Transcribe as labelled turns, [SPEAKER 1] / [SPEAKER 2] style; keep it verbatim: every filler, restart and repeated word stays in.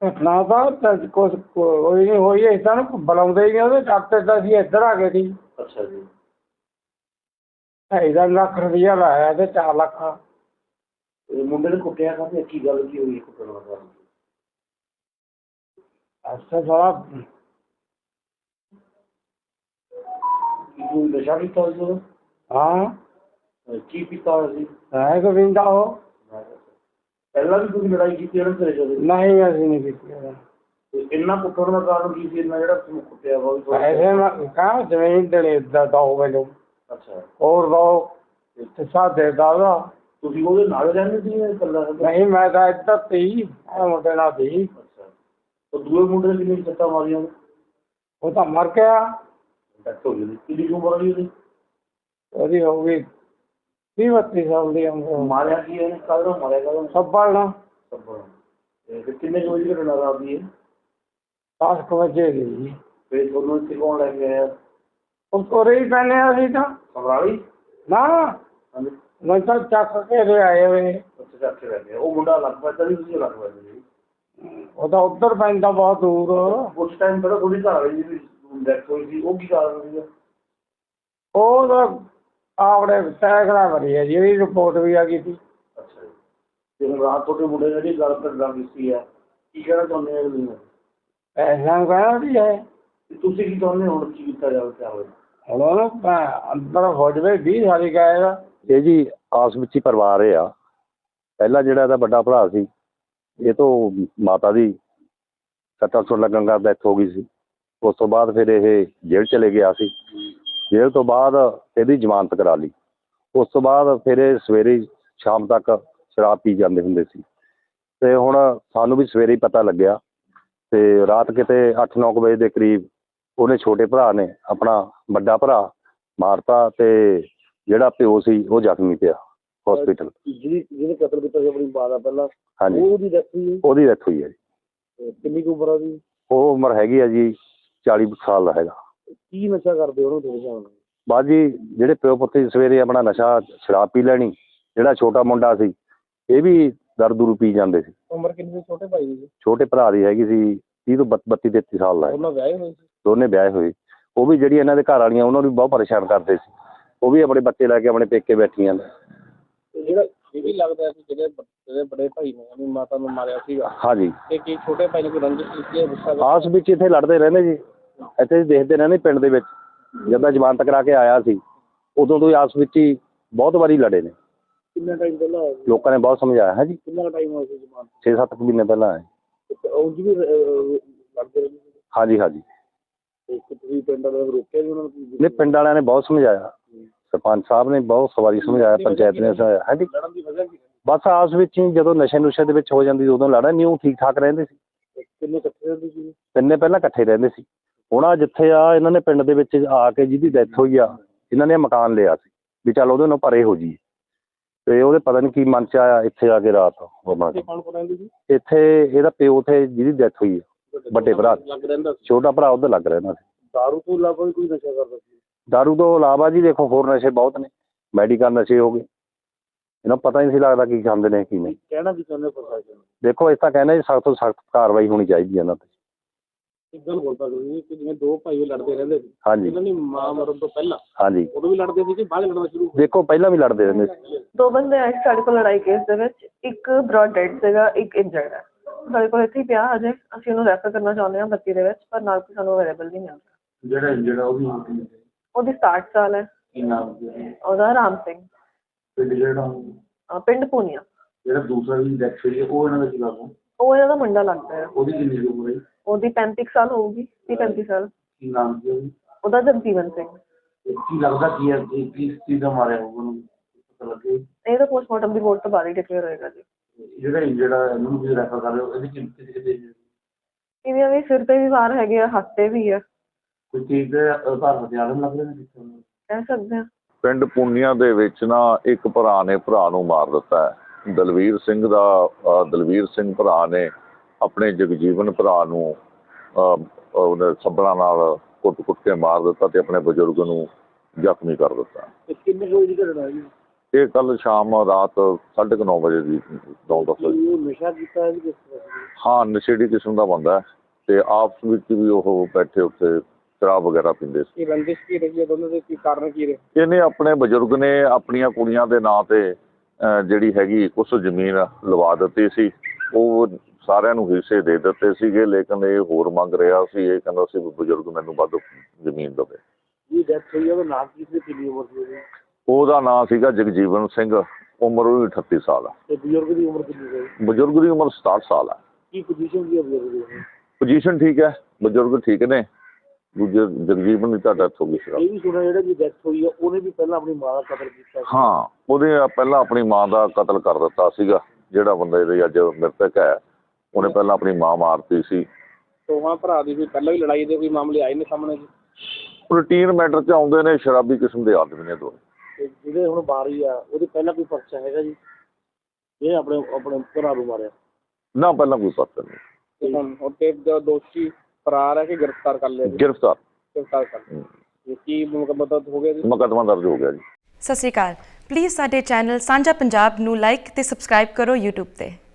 [SPEAKER 1] घटना ਤਾਂ ਕੁਛ ਕੋਈ ਨਹੀਂ ਹੋਈ। ਅਸੀਂ ਤਾਂ ਉਹਨੂੰ ਬੁਲਾਉਂਦੇ ਹੀ ਨਹੀਂ, ਉਹਦੇ ਡਾਕਟਰ ਤਾਂ ਅਸੀਂ ਇੱਧਰ ਆ ਗਏ ਸੀ।
[SPEAKER 2] ਅੱਛਾ ਜੀ।
[SPEAKER 1] ਢਾਈ ਦਾ ਲੱਖ ਰੁਪਈਆ ਲਾਇਆ ਤੇ ਚਾਰ ਲੱਖ।
[SPEAKER 2] ਇਹ ਮੁੰਡੇ ਨੇ ਕੁੱਟਿਆ ਕਾਹਤੇ, ਕੀ ਗੱਲ ਕੀ ਹੋਈ ਕੁੱਟਣ ਦਾ ਕਾਰਨ?
[SPEAKER 1] ਅੱਛਾ ਸਾਲਾ
[SPEAKER 2] ਕੀ ਕੋਈ ਨਸ਼ਾ ਕੀਤਾ ਹੋਇਆ ਸੀ ਉਹਦਾ?
[SPEAKER 1] ਹਾਂ
[SPEAKER 2] ਕੀ ਪੀਤਾ ਹੋਇਆ ਸੀ?
[SPEAKER 1] ਹੈ ਗੋਵਿੰਦਾ ਉਹ।
[SPEAKER 2] ਪਹਿਲਾਂ ਵੀ ਤੁਸੀਂ ਲੜਾਈ ਕੀਤੀ ਇਹਨਾਂ ਤੇਰੇ ਜਦੋਂ?
[SPEAKER 1] ਨਹੀਂ ਅਸੀਂ ਨਹੀਂ ਕੀਤੀ ਉਹਦਾ।
[SPEAKER 2] ਤੇ ਇੰਨਾ ਕੁੱਟਣ ਦਾ ਕਾਰਨ ਕੀ ਸੀ? ਇੰਨਾ ਜਿਹੜਾ ਤੁਹਾਨੂੰ ਕੁੱਟਿਆ ਵਾ ਉਹ
[SPEAKER 1] ਪੈਸੇ ਕਹਾਂ ਜ਼ਮੀਨ ਦੇ ਦੋ ਮੈਨੂੰ।
[SPEAKER 2] ਅੱਛਾ।
[SPEAKER 1] ਹੋਰ ਦੋ ਤੇ ਸਾਡੇ ਦਾ ਉਹਦਾ।
[SPEAKER 2] ਤੁਸੀਂ ਉਹਦੇ ਨਾਲ ਰਹਿੰਦੇ ਸੀ ਜਾਂ ਇਕੱਲਾ?
[SPEAKER 1] ਨਹੀਂ ਮੈਂ ਤਾਂ ਇੱਧਰ ਸੀ, ਮੁੰਡੇ ਨਾਲ ਸੀ।
[SPEAKER 2] ਅੱਛਾ। ਉਹ ਦੂਏ ਮੁੰਡੇ ਨੇ ਕਿੰਨੀ ਸੱਟਾਂ ਮਾਰੀਆਂ?
[SPEAKER 1] ਉਹ ਤਾਂ ਮਰ ਗਿਆ।
[SPEAKER 2] ਡੈਥ ਹੋ ਗਈ। ਕਿੰਨੀ ਕੁ ਉਮਰ ਸੀ ਉਹਦੀ?
[SPEAKER 1] ਉਹਦੀ ਹੋ ਗਈ ਵੀਹ ਬੱਤੀ ਸਾਲ ਦੀ ਉਮਰ।
[SPEAKER 2] ਮਾਰਿਆ ਕੀ ਇਹਨੇ? ਕਾਹਦਾ ਮਾਰਿਆ? ਕਾਹਦਾ?
[SPEAKER 1] ਸੱਬਲ ਨਾਲ।
[SPEAKER 2] ਸੱਬਲ। ਤੇ ਕਿੰਨੇ ਕੁ ਵਜੇ ਘਟਨਾ ਰਾਤ ਦੀ ਹੈ?
[SPEAKER 1] ਦਸ ਕੁ ਵਜੇ ਦੀ ਜੀ।
[SPEAKER 2] ਫਿਰ ਤੁਹਾਨੂੰ ਇੱਥੇ ਕੌਣ ਲੈ ਕੇ ਆਇਆ?
[SPEAKER 1] ਉਹ ਕੋਰੇ ਹੀ ਪੈਂਦੇ ਹਾਂ ਅਸੀਂ ਤਾਂ।
[SPEAKER 2] ਸਮਰਾਲੀ?
[SPEAKER 1] ਨਾ
[SPEAKER 2] ਹਾਂਜੀ।
[SPEAKER 1] ਮੈਂ ਤਾਂ ਚੱਕ ਕੇ ਲਿਆਏ ਹੋਏ।
[SPEAKER 2] ਅੱਛਾ ਚੱਕ ਕੇ ਲੈ ਕੇ। ਉਹ ਮੁੰਡਾ ਅਲੱਗ ਪੈਂਦਾ ਸੀ, ਤੁਸੀਂ ਅਲੱਗ ਪੈਂਦੇ ਸੀ?
[SPEAKER 1] ਉਹ ਤਾਂ ਉੱਧਰ ਪੈਂਦਾ ਬਹੁਤ ਦੂਰ।
[SPEAKER 2] ਉਸ ਟਾਈਮ ਪਹਿਲਾਂ ਥੋੜੀ ਘਰ ਵਾਲੀ ਦੀ ਡੈਥ ਹੋਈ ਸੀ, ਉਹ ਕੀ ਕਾਰਨ ਸੀਗਾ?
[SPEAKER 1] ਉਹ ਤਾਂ ਆਪਣੇ ਸੈਕੜਾ ਭਰੀ ਹੈ ਜੀ, ਉਹਦੀ ਰਿਪੋਰਟ ਵੀ ਆ ਗਈ ਸੀ।
[SPEAKER 2] ਅੱਛਾ ਜੀ। ਤੇ ਹੁਣ ਰਾਤ ਤੁਹਾਡੇ ਮੁੰਡੇ ਨੇ ਜਿਹੜੀ ਗੱਲ ਕਰਦਾ ਕੀਤੀ ਹੈ, ਕੀ ਕਹਿਣਾ ਚਾਹੁੰਦੇ ਹੋ ਤੁਸੀਂ?
[SPEAKER 1] ਪੈਸਿਆਂ ਨੂੰ ਕਹਿਣਾ ਵੀ ਹੈ।
[SPEAKER 2] ਤੁਸੀਂ ਕੀ ਚਾਹੁੰਦੇ ਹੋ ਹੁਣ ਕੀ ਕੀਤਾ ਜਾਵੇ? ਕਿਆ ਹੋਵੇ
[SPEAKER 1] ਹੁਣ ਉਹਨੂੰ ਅੰਦਰ ਹੋ ਜਾਵੇ, ਵੀਹ ਸਾਲੀ ਗਾਏਗਾ।
[SPEAKER 3] ਇਹ ਜੀ ਆਸ ਵਿੱਚ ਹੀ ਪਰਿਵਾਰ ਇਹ ਆ। ਪਹਿਲਾਂ ਜਿਹੜਾ ਇਹਦਾ ਵੱਡਾ ਭਰਾ ਸੀ, ਇਹ ਤੋਂ ਮਾਤਾ ਦੀ ਸੱਟਾਂ ਸੁੱਟ ਲੱਗਣ ਦਾ ਡੈਥ ਹੋ ਗਈ ਸੀ। ਉਸ ਤੋਂ ਬਾਅਦ ਫਿਰ ਇਹ ਜੇਲ੍ਹ ਚਲੇ ਗਿਆ ਸੀ। ਜੇਲ੍ਹ ਤੋਂ ਬਾਅਦ ਇਹਦੀ ਜ਼ਮਾਨਤ ਕਰਾ ਲਈ। ਉਸ ਤੋਂ ਬਾਅਦ ਫਿਰ ਇਹ ਸਵੇਰੇ ਸ਼ਾਮ ਤੱਕ ਸ਼ਰਾਬ ਪੀ ਜਾਂਦੇ ਹੁੰਦੇ ਸੀ। ਅਤੇ ਹੁਣ ਸਾਨੂੰ ਵੀ ਸਵੇਰੇ ਹੀ ਪਤਾ ਲੱਗਿਆ ਅਤੇ ਰਾਤ ਕਿਤੇ ਅੱਠ ਨੌ ਕੁ ਵਜੇ ਦੇ ਕਰੀਬ ਉਹਨੇ ਛੋਟੇ ਭਰਾ ਨੇ ਆਪਣਾ ਵੱਡਾ ਭਰਾ ਮਾਰਤਾ ਅਤੇ ਜਿਹੜਾ ਪਿਓ ਸੀ ਉਹ ਜ਼ਖਮੀ ਪਿਆ ਹੋਸਪਿਟਲ।
[SPEAKER 2] ਜਿਹਦੀ ਜਿਹਨੇ ਕਤਲ ਕੀਤਾ ਸੀ ਆਪਣੀ ਮਾਂ ਦਾ ਪਹਿਲਾਂ?
[SPEAKER 3] ਹਾਂਜੀ।
[SPEAKER 2] ਉਹਦੀ ਡੈਥ ਹੋਈ?
[SPEAKER 3] ਉਹਦੀ ਡੈਥ ਹੋਈ ਹੈ ਜੀ।
[SPEAKER 2] ਕਿੰਨੀ ਕੁ ਉਮਰ ਆ ਉਹਦੀ?
[SPEAKER 3] ਉਹ ਉਮਰ ਹੈਗੀ ਆ ਜੀ ਚਾਲੀ ਸਾਲ ਦਾ ਹੈਗਾ।
[SPEAKER 2] ਕੀ ਨਸ਼ਾ ਕਰਦੇ ਉਹਨੂੰ ਤੁਹਾਡੇ ਹਿਸਾਬ ਨਾਲ?
[SPEAKER 3] ਬਸ ਜੀ ਜਿਹੜੇ ਪਿਓ ਪੁੱਤ ਸਵੇਰੇ ਆਪਣਾ ਨਸ਼ਾ ਸ਼ਰਾਬ ਪੀ ਲੈਣੀ। ਜਿਹੜਾ ਛੋਟਾ ਮੁੰਡਾ ਸੀ ਇਹ ਵੀ ਦਾਰੂ ਦੂਰੂ ਪੀ ਜਾਂਦੇ ਸੀ।
[SPEAKER 2] ਉਮਰ ਕਿੰਨੀ ਸੀ ਛੋਟੇ ਭਾਈ ਦੀ?
[SPEAKER 3] ਛੋਟੇ ਭਰਾ ਦੀ ਹੈਗੀ ਸੀ ਤੀਹ ਤੋਂ ਬੱਤੀ ਤੇਤੀ ਸਾਲ ਦਾ।
[SPEAKER 2] ਉਹਨਾਂ ਵਿਆਹੇ ਹੋਏ ਸੀ?
[SPEAKER 3] ਦੋਨੇ ਵਿਆਹੇ ਹੋਏ। ਉਹ ਵੀ ਜਿਹੜੀ ਇਹਨਾਂ ਦੇ ਘਰ ਵਾਲੀਆਂ ਉਹਨਾਂ ਨੂੰ ਵੀ ਬਹੁਤ ਪਰੇਸ਼ਾਨ ਕਰਦੇ ਸੀ। ਉਹ ਵੀ ਆਪਣੇ ਬੱਚੇ ਲੈ ਕੇ ਆਪਣੇ ਪੇਕੇ ਬੈਠੀਆਂ ਨੇ।
[SPEAKER 2] ਜਿਹੜਾ ਇਹ ਵੀ ਲੱਗਦਾ ਸੀ ਜਿਹੜੇ ਜਿਹੜੇ ਬੜੇ ਭਾਈ ਨੇ ਆਪਣੀ ਮਾਤਾ ਨੂੰ ਮਾਰਿਆ ਸੀਗਾ।
[SPEAKER 3] ਹਾਂਜੀ।
[SPEAKER 2] ਤੇ ਕੀ ਛੋਟੇ ਭਾਈ ਨੇ ਕੋਈ ਰੰਜਿਸ਼ ਕੀਤੀ ਹੈ? ਗੁੱਸਾ
[SPEAKER 3] ਆਸ ਵਿੱਚ ਇੱਥੇ ਲੜਦੇ ਰਹਿੰਦੇ ਜੀ। ਇੱਥੇ ਦੇਖਦੇ ਰਹਿੰਦੇ ਪਿੰਡ ਦੇ ਵਿੱਚ। ਜਦੋਂ ਜ਼ਮਾਨਤ ਕਰਾ ਕੇ ਆਇਆ ਸੀ ਉਦੋਂ ਤੋਂ ਹੀ ਆਸ ਵਿੱਚ ਹੀ ਬਹੁਤ ਵਾਰੀ ਲੜੇ ਨੇ।
[SPEAKER 2] ਕਿੰਨਾ ਟਾਈਮ ਪਹਿਲਾਂ?
[SPEAKER 3] ਲੋਕਾਂ ਨੇ ਬਹੁਤ ਸਮਝਾਇਆ ਹੈ ਜੀ।
[SPEAKER 2] ਕਿੰਨਾ ਟਾਈਮ ਹੋਇਆ ਸੀ ਜ਼ਮਾਨਤ?
[SPEAKER 3] ਛੇ ਸੱਤ ਕੁ ਮਹੀਨੇ ਪਹਿਲਾਂ ਆਏ।
[SPEAKER 2] ਉਂਝ ਵੀ ਲੜਦੇ ਰਹਿੰਦੇ ਸੀ?
[SPEAKER 3] ਹਾਂਜੀ ਹਾਂਜੀ।
[SPEAKER 2] ਤੁਸੀਂ ਪਿੰਡ ਵਾਲਿਆਂ ਨੂੰ ਰੋਕਿਆ ਜੀ ਉਹਨਾਂ ਨੂੰ?
[SPEAKER 3] ਨਹੀਂ ਪਿੰਡ ਵਾਲਿਆਂ ਨੇ ਬਹੁਤ ਸਮਝਾਇਆ। ਸਰਪੰਚ ਸਾਹਿਬ ਨੇ ਬਹੁਤ ਸਵਾਰੀ ਸਮਝਾਇਆ, ਪੰਚਾਇਤ ਨੇ ਸਮਝਾਇਆ। ਹਾਂਜੀ।
[SPEAKER 2] ਲੜਨ ਦੀ ਵਜ੍ਹਾ ਕੀ?
[SPEAKER 3] ਬਸ ਆਸ ਵਿੱਚ ਹੀ ਜਦੋਂ ਨਸ਼ੇ ਨੁਸ਼ੇ ਦੇ ਵਿੱਚ ਹੋ ਜਾਂਦੀ ਉਦੋਂ ਲੜਾ ਨਹੀਂ। ਉਹ ਠੀਕ ਠਾਕ ਰਹਿੰਦੇ ਸੀ।
[SPEAKER 2] ਕਿੰਨੇ ਇਕੱਠੇ ਰਹਿੰਦੇ ਸੀ?
[SPEAKER 3] ਤਿੰਨੇ ਪਹਿਲਾਂ ਇਕੱਠੇ ਰਹਿੰਦੇ ਸੀ। ਹੁਣ ਆ ਜਿੱਥੇ ਆ ਇਹਨਾਂ ਨੇ ਪਿੰਡ ਦੇ ਵਿੱਚ ਆ ਕੇ ਜਿਹਦੀ ਡੈਥ ਹੋਈ ਆ ਇਹਨਾਂ ਨੇ ਮਕਾਨ ਲਿਆ ਸੀ ਵੀ ਚੱਲ ਉਹਦੇ ਨਾਲ ਪਰੇ ਹੋ ਜਾਈਏ। ਅਤੇ ਉਹਦੇ ਪਤਾ ਨਹੀਂ ਕੀ ਮਨ 'ਚ ਆਇਆ ਇੱਥੇ ਆ ਕੇ ਰਾਤ ਹੋਣਾ। ਇੱਥੇ ਇਹਦਾ ਪਿਓ ਉੱਥੇ ਜਿਹਦੀ ਡੈਥ ਹੋਈ ਆ ਵੱਡੇ ਭਰਾ, ਛੋਟਾ ਭਰਾ ਉੱਧਰ ਲੱਗ ਰਹਿੰਦਾ ਸੀ।
[SPEAKER 2] ਦਾਰੂ ਤੋਂ ਇਲਾਵਾ ਵੀ ਕੋਈ ਨਸ਼ਾ ਕਰਦਾ ਸੀ?
[SPEAKER 3] ਦਾਰੂ ਤੋਂ ਇਲਾਵਾ ਜੀ ਦੇਖੋ ਹੋਰ ਨਸ਼ੇ ਬਹੁਤ ਨੇ। ਮੈਡੀਕਲ ਨਸ਼ੇ ਹੋ ਗਏ। ਇਹਨਾਂ ਨੂੰ ਪਤਾ ਹੀ ਨਹੀਂ ਸੀ ਲੱਗਦਾ ਕੀ ਖਾਂਦੇ ਨੇ ਕੀ ਨਹੀਂ।
[SPEAKER 2] ਕਹਿਣਾ ਕੀ ਚਾਹੁੰਦੇ ਪ੍ਰਸ਼ਾਸਨ ਨੂੰ?
[SPEAKER 3] ਦੇਖੋ ਇਸ ਤਾਂ ਕਹਿੰਦੇ ਜੀ ਸਖਤ ਤੋਂ ਸਖਤ ਕਾਰਵਾਈ ਹੋਣੀ ਚਾਹੀਦੀ ਹੈ ਇਹਨਾਂ 'ਤੇ।
[SPEAKER 2] ਇੱਕ ਗੱਲ ਬੋਲ ਸਕਦੇ ਕਿ ਜਿਵੇਂ ਦੋ ਭਾਈ ਲੜਦੇ ਰਹਿੰਦੇ ਸੀ।
[SPEAKER 3] ਹਾਂਜੀ।
[SPEAKER 2] ਇਹਨਾਂ ਦੀ ਮਾਂ ਮਰਨ ਤੋਂ ਪਹਿਲਾਂ?
[SPEAKER 3] ਹਾਂਜੀ।
[SPEAKER 2] ਉਦੋਂ ਵੀ ਲੜਦੇ ਸੀ ਕਿ ਬਾਅਦ ਲੜਨਾ ਸ਼ੁਰੂ?
[SPEAKER 3] ਦੇਖੋ ਪਹਿਲਾਂ ਵੀ ਲੜਦੇ ਰਹਿੰਦੇ ਸੀ।
[SPEAKER 4] ਦੋ ਬੰਦੇ ਆਏ ਸਾਡੇ ਕੋਲ ਲੜਾਈ ਕੇਸ ਦੇ ਵਿੱਚ। ਇੱਕ ਬ੍ਰੌਡ ਡੈਡ ਸੀਗਾ, ਇੱਕ ਇੰਜਰਡ ਹੈ। ਸਾਡੇ ਕੋਲ ਇੱਥੇ ਹੀ ਪਿਆ ਅਜੇ। ਅਸੀਂ ਉਹਨੂੰ ਰੈਫਰ ਕਰਨਾ ਚਾਹੁੰਦੇ ਹਾਂ ਬੱਤੀ ਦੇ ਵਿੱਚ, ਪਰ ਨਾਲ ਕੋਈ ਸਾਨੂੰ ਅਵੇਲੇਬਲ ਨਹੀਂ ਮਿਲ ਰਿਹਾ।
[SPEAKER 2] ਜਿਹੜਾ ਇੰਜਰਡ ਉਹ ਵੀ?
[SPEAKER 4] ਉਹਦੀ ਸਤਾਹਠ ਸਾਲ ਹੈ।
[SPEAKER 2] ਕੀ ਨਾਮ ਸੀ
[SPEAKER 4] ਉਹਦਾ? ਰਾਮ ਸਿੰਘ।
[SPEAKER 2] ਪਿੰਡ ਜਿਹੜਾ?
[SPEAKER 4] ਪਿੰਡ ਪੂਨੀਆ।
[SPEAKER 2] ਜਿਹੜਾ ਦੂਸਰਾ ਵੀ ਡੈਥ ਹੋਈ ਹੈ ਉਹ ਇਹਨਾਂ ਦਾ ਕੀ ਲੱਗਦਾ?
[SPEAKER 4] ਉਹ ਇਹਨਾਂ ਦਾ ਮੁੰਡਾ ਲੱਗਦਾ ਹੈ।
[SPEAKER 2] ਉਹਦੀ ਕਿੰਨੀ ਉਮਰ ਹੈ? ਉਹਦੀ
[SPEAKER 4] ਪੈਂਤੀ ਸਾਲ ਹੋਊਗੀ, ਤੀਹ ਪੈਂਤੀ ਸਾਲ।
[SPEAKER 2] ਕੀ ਨਾਮ ਸੀ ਉਹਦੀ?
[SPEAKER 4] ਉਹਦਾ ਜਗਜੀਵਨ ਸਿੰਘ।
[SPEAKER 2] ਕੀ ਲੱਗਦਾ ਕੀ ਹੈ ਕਿਸ ਚੀਜ਼ ਦਾ ਮਾਰਿਆ ਹੋਊਗਾ ਉਹਨੂੰ? ਪਤਾ ਲੱਗੇ?
[SPEAKER 4] ਇਹ ਤਾਂ ਪੋਸਟਮਾਰਟਮ ਰਿਪੋਰਟ ਤੋਂ ਬਾਅਦ ਹੀ ਡਿਕਲੇਅਰ ਹੋਏਗਾ ਜੀ।
[SPEAKER 2] ਜਿਹੜਾ ਇੰਜਰਡ ਹੈ ਇਹਨੂੰ ਤੁਸੀਂ ਰੈਫਰ ਕਰ ਰਹੇ ਹੋ, ਇਹਦੀ ਕਿੰਨੀ ਕਿਤੇ
[SPEAKER 4] ਇਹਦੀਆਂ ਵੀ ਸਿਰ 'ਤੇ ਵੀ ਵਾਰ ਹੈਗੇ ਆ, ਹੱਥ 'ਤੇ ਵੀ ਆ।
[SPEAKER 2] ਕੋਈ ਚੀਜ਼ ਦੇ ਆਧਾਰ ਹਥਿਆਰ ਲੱਗ ਰਹੇ ਨੇ?
[SPEAKER 4] ਕਹਿ ਸਕਦੇ ਹਾਂ।
[SPEAKER 5] ਪਿੰਡ ਪੂਨੀਆ ਦੇ ਵਿੱਚ ਨਾ ਇੱਕ ਭਰਾ ਨੇ ਭਰਾ ਨੂੰ ਮਾਰ ਦਿੱਤਾ ਹੈ। ਦਲਵੀਰ ਸਿੰਘ ਦਾ ਦਲਵੀਰ ਸਿੰਘ ਭਰਾ ਨੇ ਆਪਣੇ ਜਗਜੀਵਨ ਭਰਾ ਨੂੰ ਉਹਨੇ ਸੱਬਲਾਂ ਨਾਲ ਕੁੱਟ ਕੁੱਟ ਕੇ ਮਾਰ ਦਿੱਤਾ ਅਤੇ ਆਪਣੇ ਬਜ਼ੁਰਗ ਨੂੰ ਜ਼ਖਮੀ ਕਰ ਦਿੱਤਾ।
[SPEAKER 2] ਕਿੰਨੇ ਵਜੇ ਦੀ ਘਟਨਾ ਹੈ ਜੀ?
[SPEAKER 5] ਇਹ ਕੱਲ ਸ਼ਾਮ ਰਾਤ ਸਾਢੇ ਕੁ ਨੌ ਵਜੇ ਦੀ ਨੌ ਦਸ ਵਜੇ।
[SPEAKER 2] ਇਹ ਨਸ਼ਾ ਕੀਤਾ ਹੈ ਜੀ ਕਿਸ ਤਰ੍ਹਾਂ ਸੀ?
[SPEAKER 5] ਹਾਂ, ਨਸ਼ੇੜੀ ਕਿਸਮ ਦਾ ਬੰਦਾ ਹੈ ਤੇ ਆਪਸ ਵਿੱਚ ਵੀ ਉਹ ਬੈਠੇ ਉੱਥੇ ਸ਼ਰਾਬ ਵਗੈਰਾ ਪੀਂਦੇ ਸੀ।
[SPEAKER 1] ਕੀ ਰੰਜਿਸ਼ ਕੀ ਰਹੀ ਹੈ ਦੋਨੋਂ ਦੇ, ਕੀ ਕਾਰਨ ਕੀ ਰਹੇ?
[SPEAKER 5] ਇਹਨੇ ਆਪਣੇ ਬਜ਼ੁਰਗ ਨੇ ਆਪਣੀਆਂ ਕੁੜੀਆਂ ਦੇ ਨਾਂ ਤੇ ਅਹ, ਜਿਹੜੀ ਹੈਗੀ ਕੁਛ ਜ਼ਮੀਨ ਲਵਾ ਦਿੱਤੀ ਸੀ। ਉਹ ਸਾਰਿਆਂ ਨੂੰ ਹਿੱਸੇ ਦੇ ਦਿੱਤੇ ਸੀਗੇ, ਲੇਕਿਨ ਇਹ ਹੋਰ ਮੰਗ ਰਿਹਾ ਸੀ। ਇਹ ਕਹਿੰਦਾ ਸੀ ਵੀ ਬਜ਼ੁਰਗ ਮੈਨੂੰ ਵੱਧ ਜ਼ਮੀਨ ਦੇਵੇ।
[SPEAKER 2] ਜੀ ਡੈਥ ਹੋਈ ਹੈ ਉਹਦਾ ਨਾਮ ਕੀ ਸੀ, ਕਿੰਨੀ ਉਮਰ ਸੀ ਉਹਦੀ?
[SPEAKER 5] ਉਹਦਾ ਨਾਂ ਸੀਗਾ ਜਗਜੀਵਨ ਸਿੰਘ, ਉਮਰ ਉਹਦੀ ਅਠੱਤੀ ਸਾਲ ਆ।
[SPEAKER 2] ਤੇ ਬਜ਼ੁਰਗ ਦੀ ਉਮਰ ਕਿੰਨੀ ਸੀ?
[SPEAKER 5] ਬਜ਼ੁਰਗ ਦੀ ਉਮਰ ਸਤਾਹਠ ਸਾਲ ਆ।
[SPEAKER 2] ਕੀ ਪੋਜੀਸ਼ਨ ਸੀ ਹੈ ਬਜ਼ੁਰਗ ਦੀ?
[SPEAKER 5] ਪੋਜੀਸ਼ਨ ਠੀਕ ਹੈ, ਬਜ਼ੁਰਗ ਠੀਕ ਨੇ। ਦੂਜੇ ਜਗਜੀਵਨ ਦੀ ਤਾਂ ਡੈਥ ਹੋ ਗਈ ਸੀ।
[SPEAKER 2] ਇਹ ਵੀ ਸੁਣਿਆ ਜਿਹੜਾ ਜੀ ਡੈਥ ਹੋਈ ਹੈ ਉਹਨੇ ਵੀ ਪਹਿਲਾਂ ਆਪਣੀ ਮਾਂ ਦਾ ਕਤਲ ਕੀਤਾ ਸੀ।
[SPEAKER 5] ਹਾਂ, ਉਹਦੇ ਪਹਿਲਾਂ ਆਪਣੀ ਮਾਂ ਦਾ ਕਤਲ ਕਰ ਦਿੱਤਾ ਸੀਗਾ। ਜਿਹੜਾ ਬੰਦਾ ਇਹਦੇ ਅੱਜ ਮ੍ਰਿਤਕ ਹੈ, ਉਹਨੇ ਪਹਿਲਾਂ ਆਪਣੀ ਮਾਂ ਮਾਰਤੀ ਸੀ।
[SPEAKER 1] ਦੋਵਾਂ ਭਰਾ ਦੀ ਕੋਈ ਪਹਿਲਾਂ ਵੀ ਲੜਾਈ ਦੇ ਕੋਈ ਮਾਮਲੇ ਆਏ ਨੇ ਸਾਹਮਣੇ ਜੀ?
[SPEAKER 5] ਰੂਟੀਨ ਮੈਟਰ 'ਚ ਆਉਂਦੇ ਨੇ, ਸ਼ਰਾਬੀ ਕਿਸਮ ਦੇ ਆਦਮੀ ਨੇ ਦੋਵੇਂ।
[SPEAKER 2] ਤੇ ਜਿਹੜੇ ਹੁਣ ਬਾਰੀ ਆ ਉਹਦੇ ਪਹਿਲਾਂ ਕੋਈ ਪਰਚਾ ਹੈਗਾ ਜੀ? ਇਹ ਆਪਣੇ ਆਪਣੇ ਭਰਾ ਨੂੰ ਮਾਰਿਆ?
[SPEAKER 5] ਨਾ, ਪਹਿਲਾਂ ਕੋਈ ਪਤਾ ਨਹੀਂ।
[SPEAKER 1] ਤੇ ਹੁਣ ਉੱਤੇ ਦੋਸ਼ੀ ਫਰਾਰ ਹੈ ਕਿ ਗ੍ਰਿਫਤਾਰ ਕਰ ਲਿਆ ਜੀ?
[SPEAKER 5] ਗ੍ਰਿਫਤਾਰ
[SPEAKER 1] ਗ੍ਰਿਫਤਾਰ ਕਰ ਲਿਆ। ਇਹ ਕੀ ਮੁਕੱਦਮਾ ਹੋ ਗਿਆ ਜੀ?
[SPEAKER 5] ਮੁਕੱਦਮਾ ਦਰਜ ਹੋ ਗਿਆ ਜੀ।
[SPEAKER 6] ਸਤਿ ਸ਼੍ਰੀ ਅਕਾਲ। ਪਲੀਜ਼ ਸਾਡੇ ਚੈਨਲ ਸਾਂਝਾ ਪੰਜਾਬ ਨੂੰ ਲਾਈਕ ਤੇ ਸਬਸਕ੍ਰਾਈਬ ਕਰੋ YouTube ਤੇ।